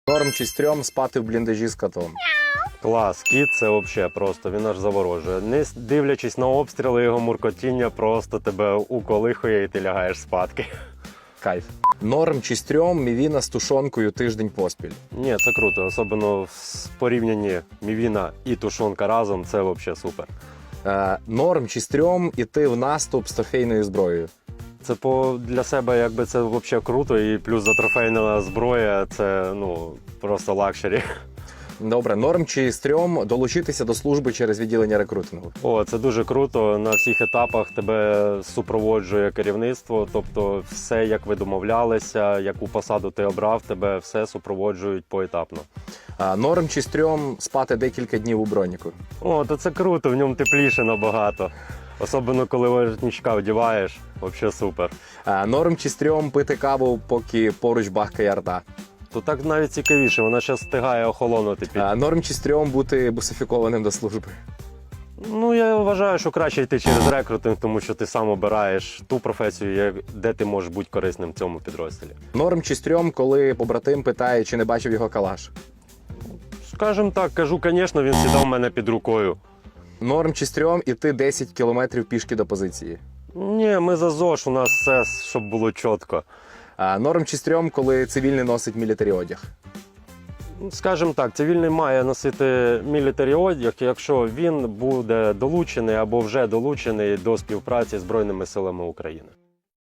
Норм чи стрьом спати в бліндажі з котом? Клас, кіт це взагалі просто, він аж заворожує. Не дивлячись на обстріли, його муркотіння просто тебе уколихує і ти лягаєш спадки. Кайф. Норм чи стрьом мівіна з тушонкою тиждень поспіль? Ні, це круто, особливо в порівнянні мівіна і тушонка разом, це взагалі супер. Норм чи стрьом іти в наступ з трофейною зброєю? Це для себе якби це взагалі круто, і плюс затрофейнена зброя це просто лакшері. Добре, норм чи стрьом долучитися до служби через відділення рекрутингу? О, це дуже круто. На всіх етапах тебе супроводжує керівництво, тобто все, як ви домовлялися, яку посаду ти обрав, тебе все супроводжують поетапно. Норм чи стрьом спати декілька днів у броніку? О, то це круто, в ньому тепліше набагато. Особливо, коли воротничка вдіваєш, взагалі супер. Норм чи стрьом пити каву, поки поруч бахкає арта? То так навіть цікавіше, вона ще встигає охолонути. Норм чи стрьом бути бусифікованим до служби? Я вважаю, що краще йти через рекрутинг, тому що ти сам обираєш ту професію, де ти можеш бути корисним в цьому підрозділі. Норм чи стрьом, коли побратим питає, чи не бачив його калаш? Скажем так, кажу, звісно, він сідав в мене під рукою. Норм чи стрьом іти 10 кілометрів пішки до позиції? Ні, ми за ЗОЖ, у нас все, щоб було чітко. Норм чи стрьом, коли цивільний носить мілітарі одяг? Скажем так, цивільний має носити мілітарі одяг, якщо він буде долучений або вже долучений до співпраці з Збройними силами України.